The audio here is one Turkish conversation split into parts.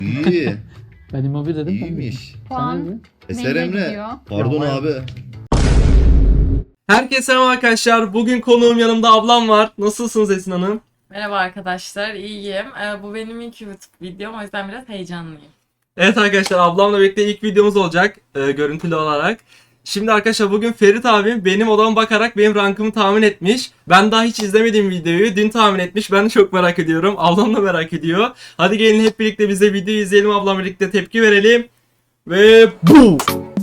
İyi. Ben Immobile dedim. İyiymiş. Puan Eser neyine Emre. gidiyor? Pardon Ya, abi. Herkese selam arkadaşlar. Bugün konuğum yanımda ablam var. Nasılsınız Esin Hanım? Merhaba arkadaşlar, iyiyim. Bu benim ilk YouTube videom, o yüzden biraz heyecanlıyım. Evet arkadaşlar, ablamla birlikte ilk videomuz olacak görüntülü olarak. Şimdi arkadaşlar bugün Ferit abim benim odama bakarak benim rankımı tahmin etmiş. Ben daha hiç izlemediğim videoyu dün tahmin etmiş. Ben de çok merak ediyorum. Ablam da merak ediyor. Hadi gelin hep birlikte biz de videoyu izleyelim. Ablamla birlikte tepki verelim. Ve bu.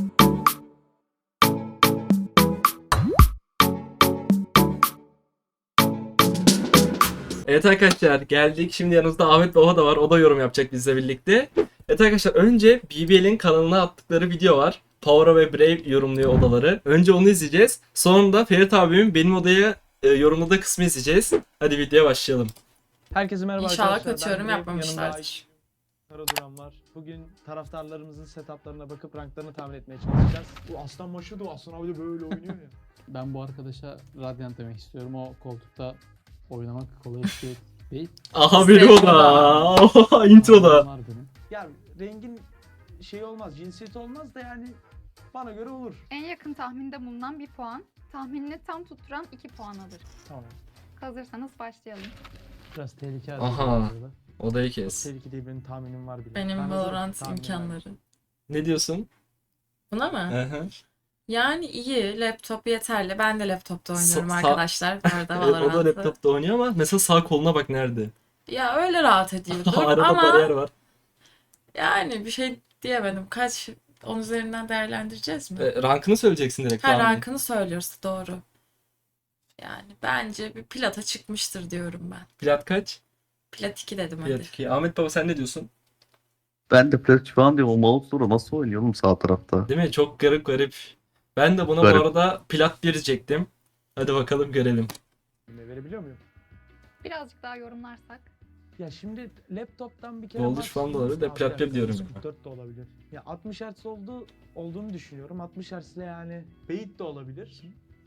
Evet arkadaşlar geldik. Şimdi yanımızda Ahmet Baba da var. O da yorum yapacak bizle birlikte. Evet arkadaşlar önce BBL'in kanalına attıkları video var. Power ve Brave yorumluyor odaları. Önce onu izleyeceğiz. Sonra da Ferit abimin benim odaya yorumladığı kısmı izleyeceğiz. Hadi videoya başlayalım. Herkese merhaba İnşallah arkadaşlar. kötü yorum Ben Brave, yapmamışlardır. yanımda Karaduran var. Bugün taraftarlarımızın setuplarına bakıp ranklarını tahmin etmeye çalışacağız. Bu aslan maçı da Aslan abi de böyle oynuyor ya. Ben bu arkadaşa Radiant demek istiyorum. O koltukta oynamak kolay bir şey değil. Aha biri o da. Introda. Var benim. Ya rengin şey olmaz, cinsiyeti olmaz da yani bana göre olur. En yakın tahminde bulunan bir puan, tahminini tam tutturan 2 puan alır. Tamam. Hazırsanız başlayalım. Biraz tehlike Aha. arası. Odayı Çok kes. tehlikeli değil, benim tahminim var bile. Benim Ben Valorant hazırım, tahminim var. imkanları. Ne diyorsun? Buna mı? Hı hı. Yani iyi, laptop yeterli. Ben de laptopta oynuyorum Sa- arkadaşlar. Bu arada Evet, o da Valorant'ı. laptopta oynuyor ama mesela sağ koluna bak nerede? Ya öyle rahat ediyordur Arada ama bariyer var. yani bir şey diyemedim. Kaç, 10 üzerinden değerlendireceğiz mi? Rankını söyleyeceksin direkt. Her tahmin. rankını söylüyoruz, doğru. Yani bence bir plata çıkmıştır diyorum ben. Plat kaç? Plat 2 dedim hadi. Plat 2. Ahmet Baba sen ne diyorsun? Ben de Plat falan diyorum. O mouse sonra nasıl oynuyor oğlum sağ tarafta? Değil mi? Çok garip garip. Ben de buna Garip. bu arada plat 1 diyecektim. Hadi bakalım görelim. Verebiliyor muyum? Birazcık daha yorumlarsak. Ya şimdi laptoptan bir kere Dolduş max falan da olabilir de abi plat bir diyorum. 44 de olabilir. Ya 60 Hz olduğunu düşünüyorum. 60 Hz ile yani bait de olabilir.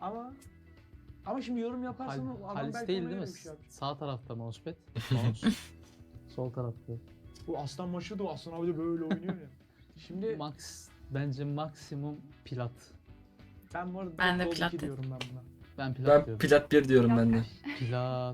Ama şimdi yorum yaparsan o adam Halis belki değil ona değil mi? göre bir şey yapacak. Sağ tarafta mousepad. Mouse. Sol tarafta. Bu aslan maçı da Aslan abi de böyle oynuyor ya. Şimdi Bence maksimum plat. ben bu arada Ben de Gold plat 2 dedim. diyorum ben buna. Ben plat Ben diyorum. plat 1 diyorum ben de. Plat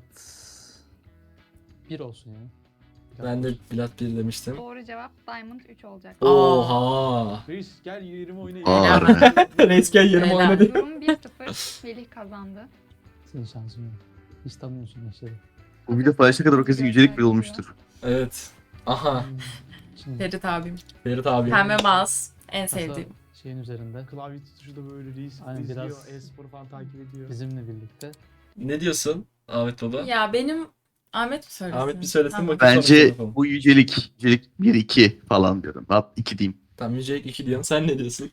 1 olsun yani. Ben de plat 1 demiştim. Doğru cevap Diamond 3 olacak. Oha. Reis gel yerime oyna. Aa, Resken yerime Helal. oynadı. Durum 1-0. Melih kazandı. Senin şansın yok. Hiç tanımıyorsun gençleri. Bu video paylaşana kadar o kesin yücelik bile olmuştur. Evet. Aha. Şimdi Ferit abim. Ferit abi. Pembe mouse. En masa sevdiğim. şeyin üzerinde Klavye tutuşu da böyle reis Aynen, izliyor. biraz- E-spor falan takip ediyor. bizimle birlikte. Ne diyorsun Ahmet Baba? Ya benim Ahmet mi söylesin? Ahmet bir söylesin Tamam. bakayım. sonra Bence yapalım. bu yücelik. Yücelik 1-2 falan diyorum. Hatta 2 diyeyim. Tamam Yücelik 2 diyorsun. Sen ne diyorsun?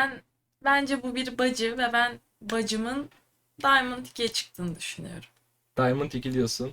Bence bu bir bacı ve ben bacımın Diamond 2'ye çıktığını düşünüyorum. Diamond 2 diyorsun.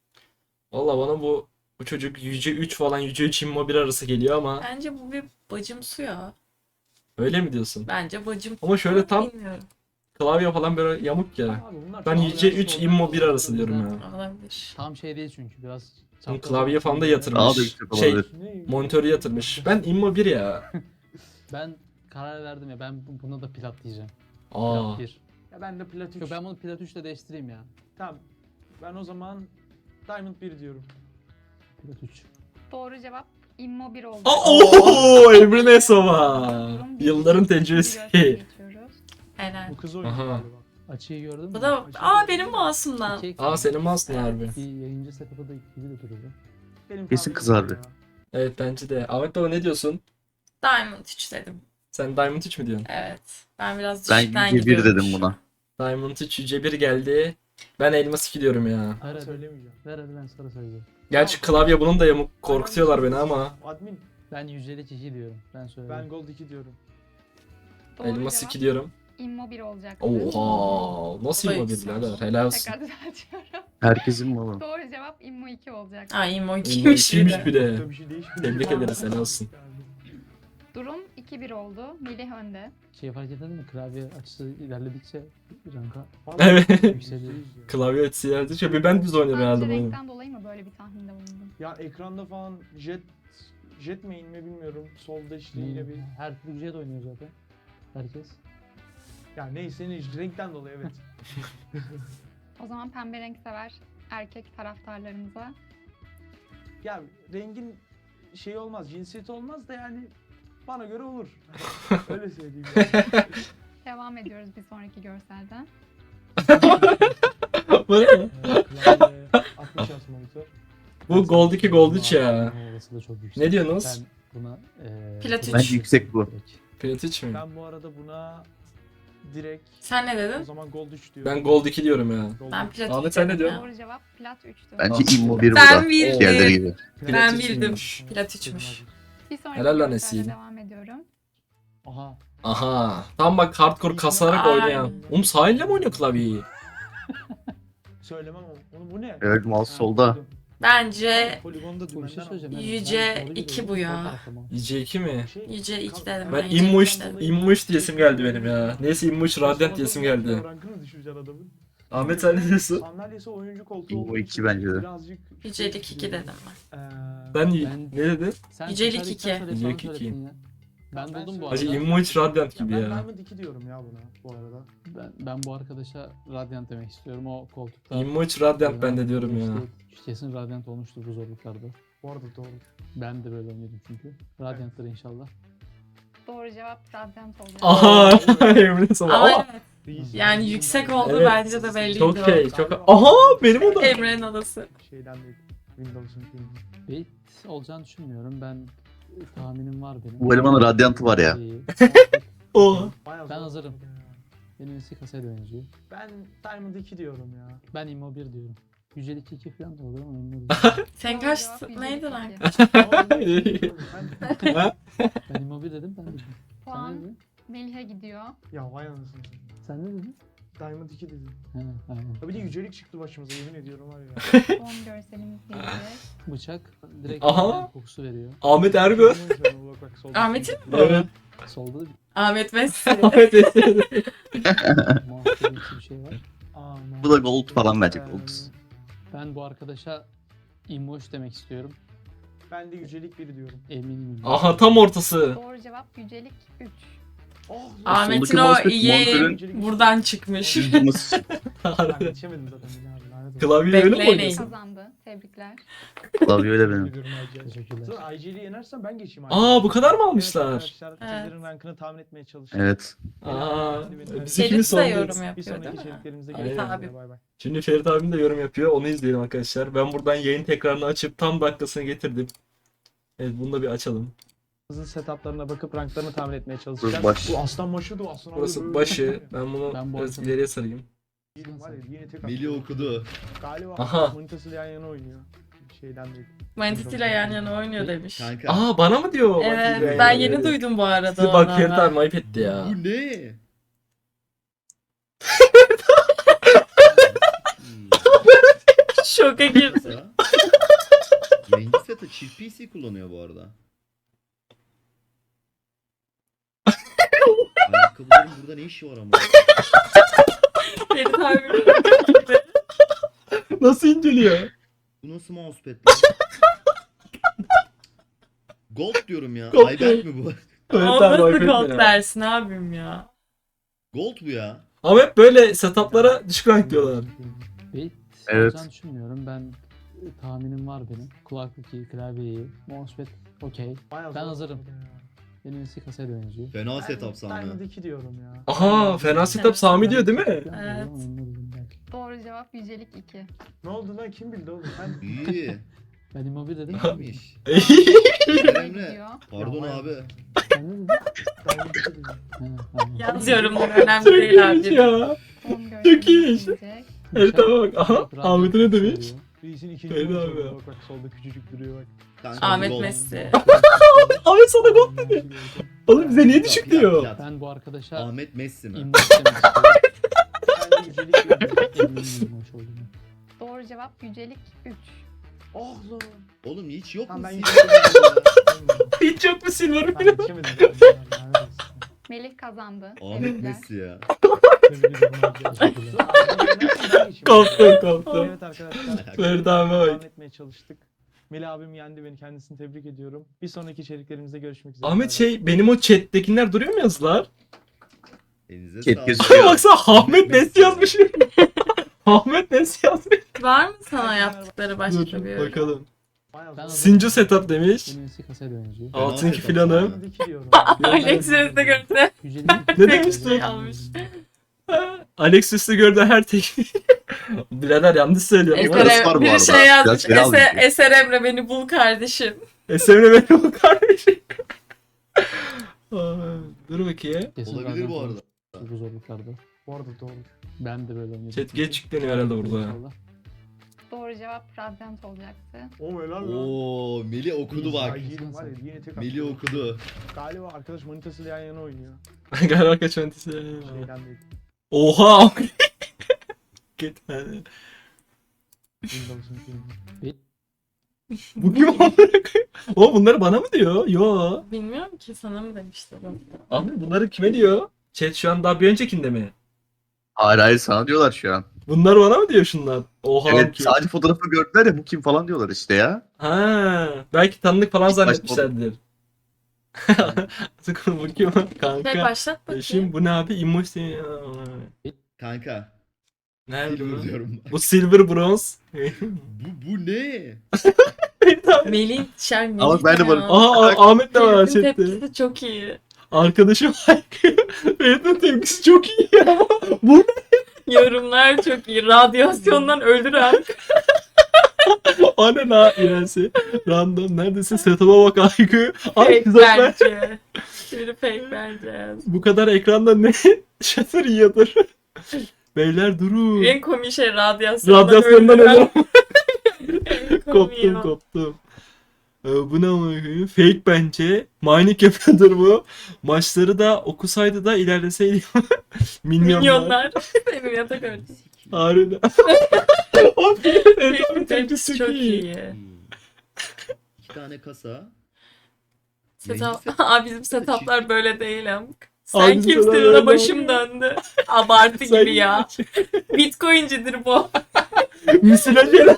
Valla bana bu çocuk Yüce 3 falan Yüce 3 Immo 1 arası geliyor ama Bence bu bir bacımsı ya. öyle mi diyorsun? Bence bacım. Ama şöyle tam Bilmiyorum. klavye falan böyle yamuk ya. Abi bunlar Ben çok Yüce yaşlı 3 oldu. Immo 1 arası diyorum ya. Olabilir. Tam şey değil çünkü biraz Bunun çapraz klavye olsun falan da diye. yatırmış. Daha da yüksek Şey, olabilir. Ne? monitörü yatırmış. Ben Immo 1 ya. Ben karar verdim ya, ben buna da plat diyeceğim. Aa. Plat 1. Ya ben de plat 3. Yok, ben bunu plat 3 ile değiştireyim ya. Tamam. Ben o zaman Diamond 1 diyorum. Plat 3. Doğru cevap Immo 1 oldu. Oo, Emre Nesova. Durum bir- Yılların bir tecrübesi. görsele geçiyoruz. Helal. Bu kız oynuyor Aha. galiba. Açıyı gördün mü? Bu da benim mouse'umdan. İki- Aa senin mouse'un harbi. Bir yayıncı setup'ı da gibi de duruyor. Benim Kesin tahminim kız bu harbi. ya. Evet bence de. Ahmet Baba ne diyorsun? Diamond 3 dedim. Sen Diamond 3 mü diyorsun? Evet. Ben biraz Ben düşükten yüce 1 gidiyorum. dedim buna. Diamond 3 Yüce 1 geldi. Ben Elmas 2 diyorum ya. Ver hadi. Söylemeyeceğim. Ver hadi, ben sonra söyleyeceğim. Gerçi klavye bunun da yamuk korkutuyorlar beni ama. Admin. Ben yücelik 2 diyorum. Ben söyleyeyim. Ben Gold 2 diyorum. Doğru Elmas cevap 2 diyorum. Immo 1 olacak. Oha. Nasıl Vay Immo 1 güzel. birader? Helal olsun. Tekrar düzeltiyorum. Herkesin malı. Doğru cevap Immo 2 olacak. Aa Immo Immo 2'ymiş bir 2'ymiş de. bir de. Çok da bir şey değişmiyor. Tebrik ederiz, helal olsun. Durum 2-1 oldu. Melih önde. Şey fark ettin mi? Klavye açısı ilerledikçe ranka Vallahi Evet. yükseliyor. Klavye açısı yerde. Bir ben düz oynuyorum herhalde Sadece bu oyunu. renkten dolayı mı böyle bir tahminde bulundun? Ya ekranda falan jet Jet main mi bilmiyorum. Solda işte yine bir... Her türlü jet oynuyor zaten. Herkes. Ya neyse renkten dolayı evet. O zaman pembe renk sever erkek taraftarlarımıza Ya rengin şey olmaz, cinsiyeti olmaz da yani bana göre olur. Öyle söyleyeyim. Yani. devam ediyoruz bir sonraki görselden. Bu ne? Klavye, 60 Hz monitör. Bu Gold 2 Gold 3 ya. Orası da çok yüksek. Ne diyorsunuz? Ben buna Plat üç. Bence yüksek bu. Plat 3 mü? Ben bu arada buna direkt Sen ne o dedin? zaman Gold 3 diyorum. Ben Gold 2 diyorum ya. Gold Ben 3. plat Ahmet, üç sen ne dedim diyorsun? ya. Doğru cevap plat 3'tü. Bence immo bir Ben burada. bildim. Diğerleri gibi. Ben Plat bildim. üçmüş. Plat üçmüş. Bir sonraki Helal lan görselde Esin. devam ediyorum. Aha. Aha. Tam bak hardcore kasarak Ay. oynayan. Sahille mi oynuyor klavyeyi? Söylemem ama. Oğlum bu ne? Evet mouse Ha, solda. duydum. Bence Poligonda Bir şey dümenden söyleyeceğim. aldım. Yüce doğru iki gidiyorum. bu ya. Sol tarafta mı? IC2 mi? Şey, Yüce 2 dedim. Ben Yüce immuş, iki dedim. immuş diyesim geldi benim ya. Neyse immuş Radiant diyesim geldi. Rankını düşüreceksin adamın. Ahmet sen ne diyorsun? Sandalyesi oyuncu koltuğu İmmo olduğu iki için bence de. birazcık... Yücelik 2 dedim ben. Ben Ben- ne dedin? Sen Yücelik söyledikten iki. sonra Yücelik sonra iki. söyledin ya. Ben buldum bu Hacı arada. immuş Radiant gibi Ben ya. Diamond 2 diyorum ya buna bu arada. Ben bu arkadaşa Radiant demek istiyorum. O koltukta. Immuş Radiant ben de diyorum ya. Kesin Radiant olmuştur bu zorluklarda. Bu arada doğru. Ben de böyle oynadım çünkü. Radiant'tır inşallah. Doğru cevap Radyant olacak. Aha! Emre sana. Ama Aa! evet, yani yüksek oldu Evet. bence de belliydi Çok o. şey, çok... Aha! Benim o da. Emre'nin odası. Şeyden değil. Windows'un filmi. Bait olacağını düşünmüyorum. Ben tahminim var benim. Bu elemanın radyantı var ya. İyi. Oha! Bayağı Ben zor. hazırım. Benim eski kasaya benziyor. Ben Diamond 2 diyorum ya. Ben Immo 1 diyorum. Yücelik 2 falan da olur ama Immo 1. Sen Doğru kaç cevap Yücelik neydi iki. lan? Ben Immo 1 dedim ben dedim. Sen ne Puan dedin? Melih'e gidiyor. Ya vay anasını. Sen ne dedin? Diamond 2 dedim. He aynen. Ya bir de yücelik çıktı başımıza yemin ediyorum var ya. Son görselimiz gelecek. Bıçak direkt Aha. Radiant kokusu veriyor. Ahmet Ergö. Bak, bak, solda. Ahmet'in? Evet. Solda da Ahmet Messi. Ahmet Ergö. muhabbetli bir şey var. Aman. Bu da gold falan bence gold. Ben bu arkadaşa Immoş demek istiyorum. Ben de yücelik 1 diyorum. Eminim. Aha tam ortası. Doğru cevap Yücelik 3. Oh, Ahmet'in Soldaki o mousepad iyi monitörün- buradan çıkmış. Bildiğimiz Ben yetişemedim zaten. Lanet olsun. Klavye öyle mi Bekleyin. oynuyorsun? Kazandı. Tebrikler. klavye öyle benim. Ediyorum IGL. Teşekkürler. Sonra IGL'yi yenersem ben geçeyim. Aa bu kadar mı Evet almışlar? arkadaşlar, sizlerin rankını tahmin etmeye çalışın. Evet. Aa biz Ferit ikimiz de yorum sondayız. Bir yapıyor sonraki değil mi? içeriklerimizde Aynen. görüşmek Abi. üzere. Bay bay. Şimdi Ferit abim de yorum yapıyor. Onu izleyelim arkadaşlar. Ben buradan yayın tekrarını açıp tam dakikasını getirdim. Evet bunu da bir açalım. Hızlı setuplarına bakıp ranklarını tahmin etmeye çalışacağız. Burası baş. Bu aslan başı da aslan. Burası başı. Ben bunu Ben bu biraz arada- ileriye sarayım. Yedim var ya yine tek Melih attım. okudu. Galiba Aha. manitasıyla yan yana oynuyor. Şeyden değil. Manitisiyle yan yana oynuyor demiş. Kanka. Aa bana mı diyor? Bak, Evet yani. ben yeni duydum bu arada Size bak onu Ferit ama. abi ayıp etti ya. Bu ne? Şoka girdi. Yayıncı seti çift PC kullanıyor bu arada. Ayakkabıların burada ne işi var ama? Ferit abi. Nasıl inceliyor? Bu nasıl mousepad lan? Gold diyorum ya. Gold Ayberk mi bu? Ferit O abi ayıp nasıl etti gold ya. dersin abim ya. Gold bu ya. Ama hep böyle setuplara düşük rank diyorlar. Bait Evet. olacağını düşünmüyorum. Ben tahminim var benim. Kulaklık iyi, klavye iyi. Mousepad okey. Bayağı Ben zor. hazırım. Benim eski kasaya benziyor. Fena Ben setup Diamond Sami. 2 diyorum ya. Aha fena setup Sami diyor değil mi? Evet. Doğru cevap Yücelik 2. Ne oldu lan kim bildi oğlum? Ben İyi. Ben Immo 1 dedim. İyiymiş. Melih'e Emre. gidiyor. Pardon Ya, abi. Sen ne dedin? Diamond 2 dedim. He, aynen. Yazıyorum da önemli Çok değil iyiymiş abi. ya. Son Çok iyiymiş. görselimiz gelecek. Evet tamam bak. Aha Radiant Ahmet'e ne kokusu demiş? veriyor. Reis'in ikinci Öyle golü abi oldu. ya. Bak bak solda küçücük duruyor bak. Kanka, Ahmet gold. Messi. Ahmet sana gol dedi. Oğlum bize niye düşük Plat, diyor? plat. Ben bu arkadaşa Ahmet Messi mi? Immoş demek istiyorum. Ben de yücelik 1 diyorum. Eminim Immoş olduğunu. Doğru cevap Yücelik 3. Oh lan. Oğlum hiç yok Tamam mu? ben Silver yücelik 1 diyorum. Hiç yok mu silver Ben falan? yetişemedim. Lanet olsun. Melih kazandı. Ahmet Tebrikler. Messi ya. Tebrik ederim arkadaşlar. Koptu koptu. Evet arkadaşlar. Ferit abi bak. Devam etmeye çalıştık. Melih abim yendi beni. Kendisini tebrik ediyorum. Bir sonraki içeriklerimizde görüşmek üzere. Ahmet benim o chat'tekiler duruyor mu yazılar? Elinize Ket sağlık. gözüküyor. Baksana Ahmet Nesi yazmış. Ahmet Nesi yazmış. Var mı sana yaptıkları başka bir Dur yorum? bakalım. Bayağı Ben o zor. Sincu setup demiş. En iyisi kasaya benziyor. Altınki setup. filanım. Diki diyorum. Alex de gördü. 150 Ne demiştin? Şey almış. Alex üstü gördü her tekniği. Birader yanlış söylüyorum. Eser- Parası var bu Biri arada. şey yazmış. Biraz almış. Eser Emre beni bul kardeşim. Esemle benim o kardeşim. Aa, dur bakayım. Kesin Olabilir Radyant bu arada. olmuş. Çok zorluklarda. Bu arada doğru. Ben de böyle oynuyorum. Chat geç yükleniyor herhalde burada. İnşallah. Doğru cevap Radyant olacaktı. O helal lan. Oo, Melih okudu bak. Ay, yedim var ya, yine tek Melih attım. okudu. Galiba arkadaş manitasıyla yan yana oynuyor. Galiba kaç öntesi. Şeyden değil. Oha. Git hadi. Windows'un filmi. Bu kim amına koyayım? O bunları bana mı diyor? Yo. Bilmiyorum ki sana mı demişti bu? Abi bunları kime diyor? Chat şu an daha bir öncekinde mi? Hayır sana diyorlar şu an. Bunlar bana mı diyor şunlar? Oha. Evet ki. sadece fotoğrafı gördüler ya bu kim falan diyorlar işte ya. Ha, belki tanıdık falan İlk başta- zannetmişlerdir. Sıkın bu kim Şey kanka? başlat bakayım. Şimdi bu ne abi? Emoji. Kanka. Nerede Silver bu? diyorum. Bu silver bronze. Bu ne? Melih Şen Ama Melih ben de ya. varım. Aha Ahmet de var Ferit'in chatte. tepkisi çok iyi. Arkadaşım Ferit'in tepkisi çok iyi ya. Bu Yorumlar çok iyi. Radyasyondan öldüren. o ne la İrensi? Random neredesin? Setup'a bak Aygı. Ay Fake güzel. bence. Biri fake bence. Bu kadar ekranda ne? Shutter yiyordur. Beyler durun. En komik şey radyasyondan, Radyasyondan öldüren. ölüyorum. En komiği Koptum o. koptum. Bu ne amına koyayım? Fake bence. Mining yapıyordur bu. Maçları da okusaydı da ilerleseydi. Minyonlar. Milyonlar. Benim yatak öyle. Harbiden. O Fake tepkisi çok iyi. İki tane kasa. Setup. Neyse. Aa, bizim setuplar böyle değil ama. Abi Sen bizim kimsin setuplar ona öyle başım döndü. Abartı Sen- gibi ya. Bitcoin'cidir bu. Misile gel.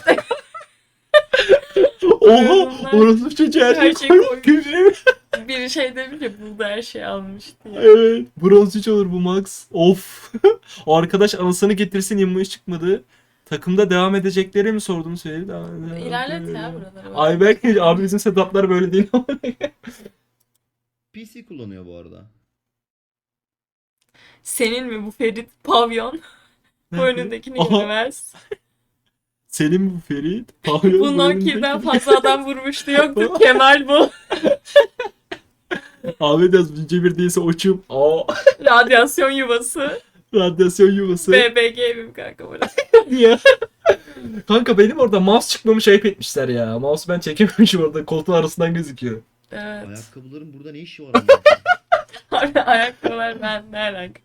Oha! Bunlar- Orası çocuğu her Her şey şey koymuş. koymuş. Gülüyor. Biri şey demiş ya burada her şey almış diye. Evet. Bronz 3 olur bu max. Of. O arkadaş anasını getirsin immuş çıkmadı. Takımda devam edecekleri mi sorduğunu söyledi. İlerlet ya buraları. Ayberk abi bizim setuplar böyle değil ama. PC kullanıyor bu arada. Senin mi bu Ferit pavyon? Bu önündekini Aha. yemez. Senin mi bu Ferit? Pavyon Bu Nokia'dan önündeki. fazla adam vurmuştu yoktu. Kemal bu. Ahmet yaz ince bir değilse oçum. Aa. Radyasyon yuvası. Radyasyon yuvası. BBG evim kanka burası. Diye. Kanka benim orada mouse çıkmamış ayıp etmişler ya. Mouse ben çekememişim orada koltuğun arasından gözüküyor. Evet. Ayakkabıların burada ne işi var? Abi ayakkabılar ben ne alaka?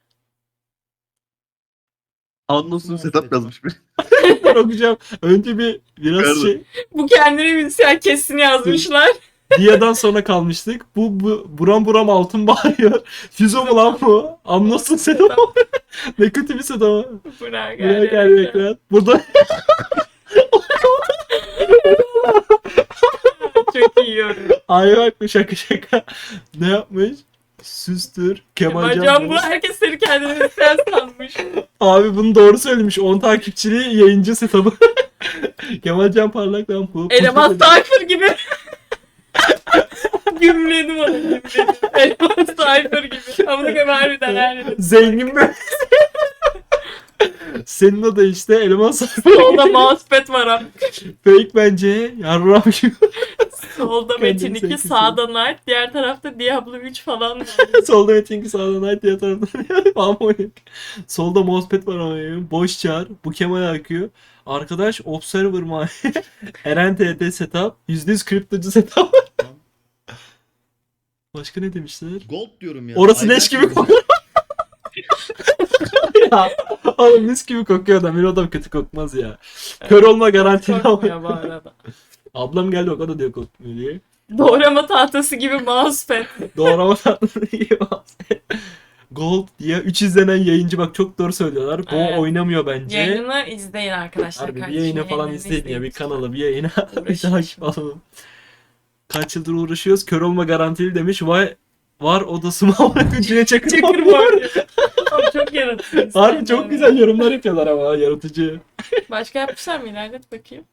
Anlasın setup yazmış bir. Ben okuyacağım. Önce biraz Pardon. şey. Bu kendini müzisyen kesini yazmışlar. Dia'dan sonra kalmıştık. Bu buram buram altın bağırıyor. Füzo mu lan bu? Anlasın sen o. Ne kötü bir set ama. Bırak Buraya gel ekran. Burada Çok iyi yorum. ay bak bu şaka. Ne yapmış? Süstür. Kemal Can bu Can. herkes seni kendini müzisyen sanmış. Abi bunu doğru söylemiş. 10 takipçili yayıncı setup'ı. Kemal Can Parlak lan bu. Eleman Cypher gibi. Gümledim onu gümledim. Eleman Cypher gibi. Ama ne kadar harbiden her yerde. Zengin mi? Senin o da işte eleman sayfa. Solda mousepad var abi. Fake bence. Yarram gibi. Solda Kendini Metin 2, sevgisi. sağda Knight, diğer tarafta Diablo 3 falan var. Solda Metin sağda Knight diğer taraftan Harmonic. Solda mousepad var ama boş çağır. Bu Kemal akıyor. Arkadaş Observer mı? Eren TT setup. %100 kriptocu setup. Başka ne demişler? Gold diyorum ya. Orası leş gibi Ayberk kokuyor. Ya oğlum mis gibi kokuyor da bir adam kötü kokmaz ya. Kör olma garantili Korkmuyor ama. bu arada. Ablam geldi bak o da diyor kokmuyor diye. Doğrama tahtası gibi mousepad. Doğrama tatlısı gibi Gold diye 3 izlenen yayıncı, bak çok doğru söylüyorlar. Bu Evet. oynamıyor bence. Yayını izleyin arkadaşlar. Harbi bir kardeşim, yayına falan yayınlarını izleyin ya, bir lütfen. kanala bir yayına bir Uğraşın takip şimdi. alalım. Kaç yıldır uğraşıyoruz, kör olma garantili demiş. Vay var odası mı ama Cüneyt Çakır Çakır var. Abi çok yaratıcı. Harbi çok güzel yorumlar yapıyorlar ama yaratıcı. Başka yapmışlar mı? İlerlet bakayım.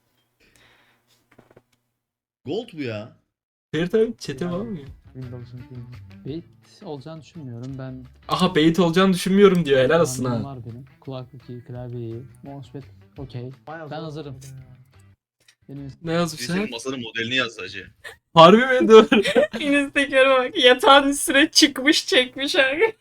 Gold bu ya. Ferit abi chat'e var mı? Windows'un filmi. Bait olacağını düşünmüyorum. Ben Aha bait olacağını düşünmüyorum diyor, helal olsun tahminim ha. var benim. Kulaklık iyi, klavye iyi, mousepad okey. Bayağı Ben zor hazırım. oldu ya. Benim Ne yazmışlar? masanın modelini yaz hacı. Harbi mi? Dur. Instagram'a bak. Yatağın üstüne çıkmış çekmiş abi.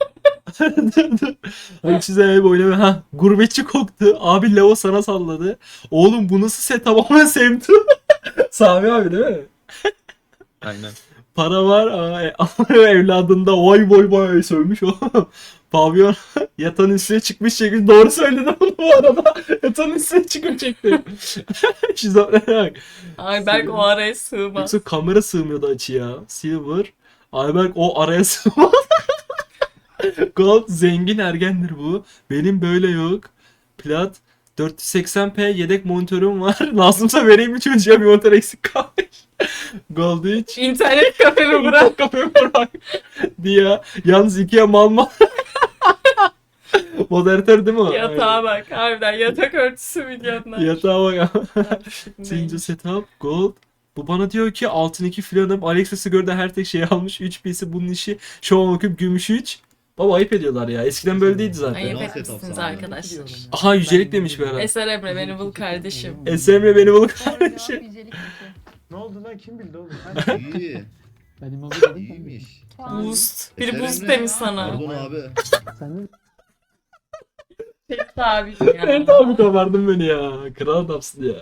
Hani size hep oynamıyor. Ha, gurbetçi koktu. Abi Levo sana salladı. Oğlum bu nasıl set, tamamen sevdim. Sami abi değil mi? Aynen. Para var ama evladında vay vay vay sövmüş o. Pavyon yatağın üstüne çıkmış çekmiş. Doğru söyledim bunu bu arada. Yatağın üstüne çıkıp çekti. Şizofrene bak. Ayberk o araya sığmaz. Yoksa kamera sığmıyordu açıya. Silver. Ayberk o araya sığmaz. Gold zengin ergendir bu. Benim böyle yok. Plat 480p yedek monitörüm var. Lazımsa vereyim mi çocuğa, bir monitör eksik kalmış. Gold 3. İnternet kafemi bırak. Bırak kafayı bırak. Diye. Yalnız ikiye mal mal. Moderatör değil mi o? Yatağa bak. Harbiden yatak örtüsü milyonlar. Aynen. Yatağa bak. Neymiş? Sinco setup. Gold. Bu bana diyor ki altın 2 filanım. Alexis'i gördü her tek şeyi almış. 3 PC bunun işi. Şov bakıp gümüş 3. Baba ayıp ediyorlar ya. Eskiden böyle değildi zaten. Ayıp Nasıl etmişsiniz setup arkadaşlar. Biliyorum ya. Aha yücelik demiş bir ara. Eser Emre beni bul kardeşim. Esemre beni bul Doğru cevap kardeşim. yücelik 2. Ne oldu lan, kim bildi oğlum? İyi. Ben immobil dedim. İyiymiş. Puan. Boost. Biri Eser boost Emre. demiş sana. Pardon abi. Sen de Ferit abi ya. Ferit abi kovardın beni ya. Kral adamsın ya.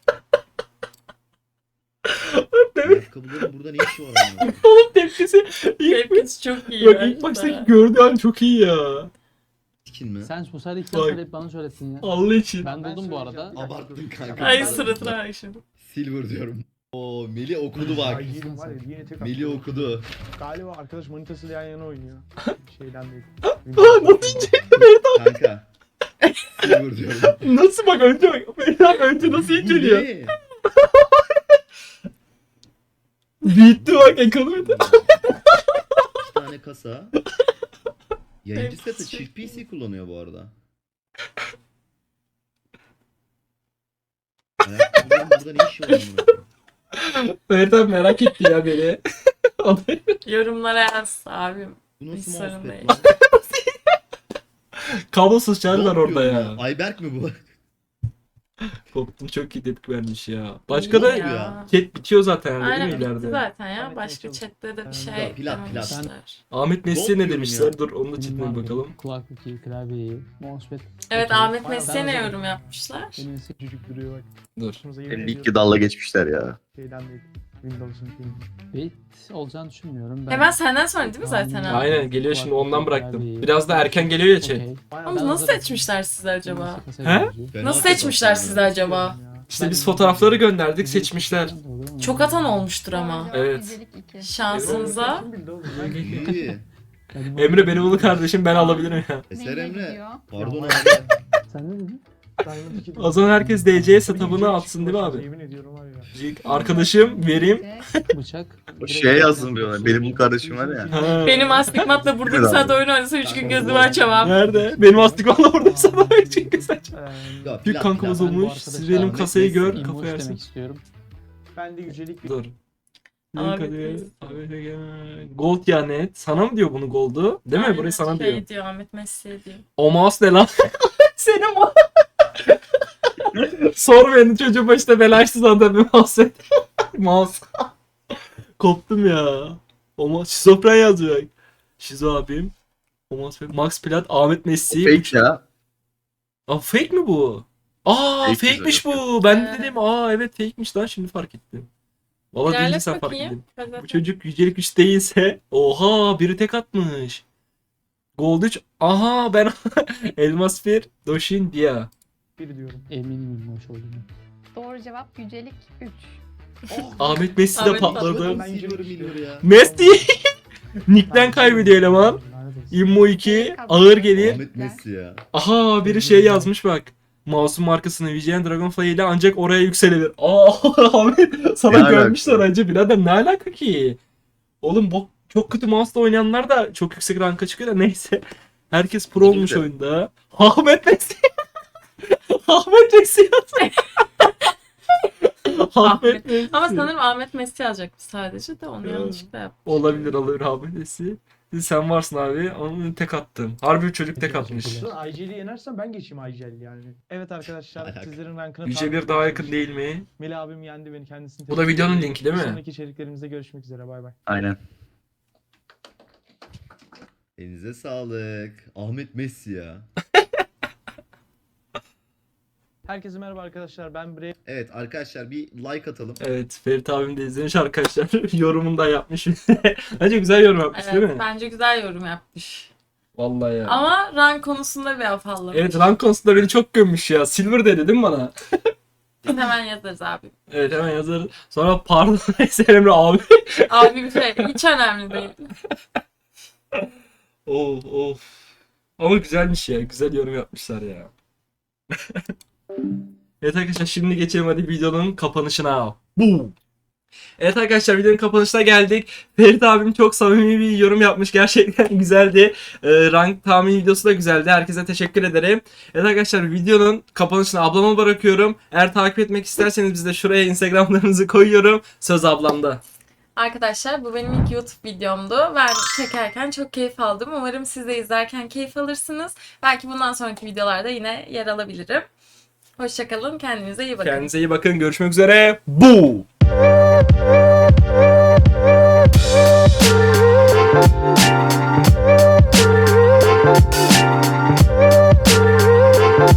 Ayakkabıların burada ne işi var amına? Oğlum tepkisi. İlk, Tepkisi çok iyi. bak bence ilk baştaki de. gördüğü an çok iyi ya. Tikin mi? sen bu sefer ilk Bak. söyleyip bana söylettin ya. Allah için. Ben buldum bu arada. Abarttın kanka. Ay suratına bak şimdi. Silver diyorum. Oo Meli okudu bak. Ay yedim var ya, yine tek Meli attım. okudu. Galiba arkadaş manitasıyla yan yana oynuyor. Şeyden değil. Kanka. Silver diyorum. Nasıl bak önce bak. Ferit abi önce nasıl Bu inceliyor. ne? Bitti bak ekonomide. 2 tane kasa. Yayıncı seti çift PC kullanıyor bu arada. Ayakkabıların burada ne işi var amına? Ferit abi merak etti ya beni. Yorumlara yaz abim. Bu nasıl Hiç sorun mousepad değil. lan? Kablosuz şarj var Gold orada diyorum ya. Ayberk mi bu? Koptum, çok iyi tepki vermiş ya. Başka da İyi ya. chat bitiyor zaten yani, Aynen değil mi bitti ileride? zaten ya. Evet, Başka evet, chatte de bir evet. şey Plat, plat. dememişler. Ahmet Nesli'ye Gold ne diyorum demişler? ya. Dur onun da Benim chatine var bir benim. bakalım. Kulaklık iyi, klavye iyi, mousepad Evet okey. Ahmet Bayağı Mesut'a ne hazırım. yorum yapmışlar? Benim ise Cücük duruyor bak. Dur. Başımıza yemin 52 ediyorum. dalla geçmişler ya. Şeyden değil. Windows'un filmi. bait olacağını düşünmüyorum. Hemen senden sonra değil mi zaten abi? Aynen geliyor şimdi, ondan bıraktım. Biraz da erken geliyor ya chat. Okey. Bayağı Ama Ben nasıl hazırım. seçmişler sizi acaba? He? Fena Nasıl setup seçmişler yani. sizi acaba? İşte biz fotoğrafları gönderdik, seçmişler. Çok atan olmuştur Doğru ama. cevap Evet. yücelik 2. Şansınıza. Kim bildi oğlum? İyi. Emre beni bul kardeşim, ben alabilirim ya. Eser Neyle Emre. gidiyor? Pardon Ya, abi. Sen ne dedin? Diamond 2 O zaman herkes DC setup'ını atsın değil mi abi? Yemin ediyorum var ya. Arkadaşım vereyim. Bıçak. O şeye yazdım bir ona. Benim bu kardeşim var ya. Ha. Benim astigmatla burada bir Evet saat abi. oyun oynasa 3 gün gözümü açamam. Nerede? Benim astikmanla orada sana çünkü sen. Ya, Bir plat, kankamız plat. olmuş. Siz benim Ahmet kasayı Messi. gör, İmmoş kafa yersin. demek istiyorum. Ben de yücelik bir Dur. Ahmet Link Messi. Gold ya net. Sana mı diyor bunu Gold'u? Değil mi? Aynen, Burayı sana şey diyor. diyor Ahmet Messi diyor. O mouse ne lan? Senin o. Sor beni, çocuğun başına bela açtı zaten bir mouse. Mouse. Koptum ya. O mouse. Şizofren yazıyor. Şizo abim. O mouse. Max Plat, Ahmet Messi. Fake ya. Aa fake mi bu? Aa Fake fake'miş güzel bu. Ben de Evet. dedim aa evet fake'miş lan, şimdi fark ettim. Valla deyince İlerlet sen fark bakayım. ettin. Hadi. Bu çocuk yücelik 3 değilse oha biri tek atmış. Gold 3. Aha ben Elmas 1 Doshin Dia. biri diyorum. Eminim immoş olduğunu. Doğru cevap yücelik 3. Ahmet Messi de Ahmet patladı. Ben Silver Milver ya. Messi Nick'ten kaybediyor eleman. Lanet olsun. Immo 2 Neyi ağır gelir. Ahmet Messi ya. Aha biri şey yazmış bak. Mouse'un markasını VGN Dragonfly ile ancak oraya yükselebilir. Ahmet sana Ne görmüşler alaka? önce birader ne alaka ki? Oğlum bu çok kötü mouse'la oynayanlar da çok yüksek ranka çıkıyor da neyse. Herkes pro olmuş Güzel. oyunda. Ahmet Messi. Ahmet Messi yazmış. Ahmet Messi. Ama sanırım Ahmet Messi yazacaktı sadece de onu Ya. yanlışlıkla yaptım. Olabilir Ahmet Messi. Sen varsın abi. Onu tek attın. Harbi bir çocuk tek atmış. Lan IGL'i yenersem ben geçeyim IGL yani. Evet arkadaşlar Alaka. sizlerin rankını Yüce bir daha yakın değil mi? Melih abim yendi beni kendisini. Bu da tebrik videonun ediyorum. linki değil mi? Bir sonraki içeriklerimizde görüşmek üzere bay bay. Aynen. Elinize sağlık. Ahmet Messi ya. Herkese merhaba arkadaşlar ben Bre. Evet arkadaşlar bir like atalım. Evet Ferit abim de izlemiş arkadaşlar. Yorumunu da yapmış. Bence güzel yorum yapmış değil Evet mi? bence güzel yorum yapmış. Vallahi ya. Ama rank konusunda bir afallamış. Evet rank konusunda beni çok gömmüş ya. Silver dedi değil mi bana? Biz hemen yazarız abi. Evet hemen yazarız. Sonra pardon Eser Emre abi. Abi bir şey hiç önemli değil. Of. Ama güzelmiş ya. Güzel yorum yapmışlar ya. Evet arkadaşlar şimdi geçelim hadi videonun kapanışına. Bu. Evet arkadaşlar videonun kapanışına geldik. Ferit abim çok samimi bir yorum yapmış. Gerçekten güzeldi. Rank tahmin videosu da güzeldi. Herkese teşekkür ederim. Evet arkadaşlar videonun kapanışını ablama bırakıyorum. Eğer takip etmek isterseniz biz de şuraya Instagramlarınızı koyuyorum. Söz ablamda. Arkadaşlar bu benim ilk YouTube videomdu. Ben çekerken çok keyif aldım. Umarım siz de izlerken keyif alırsınız. Belki bundan sonraki videolarda yine yer alabilirim. Hoşçakalın. Kendinize iyi bakın. Kendinize iyi bakın. Görüşmek üzere. Bu.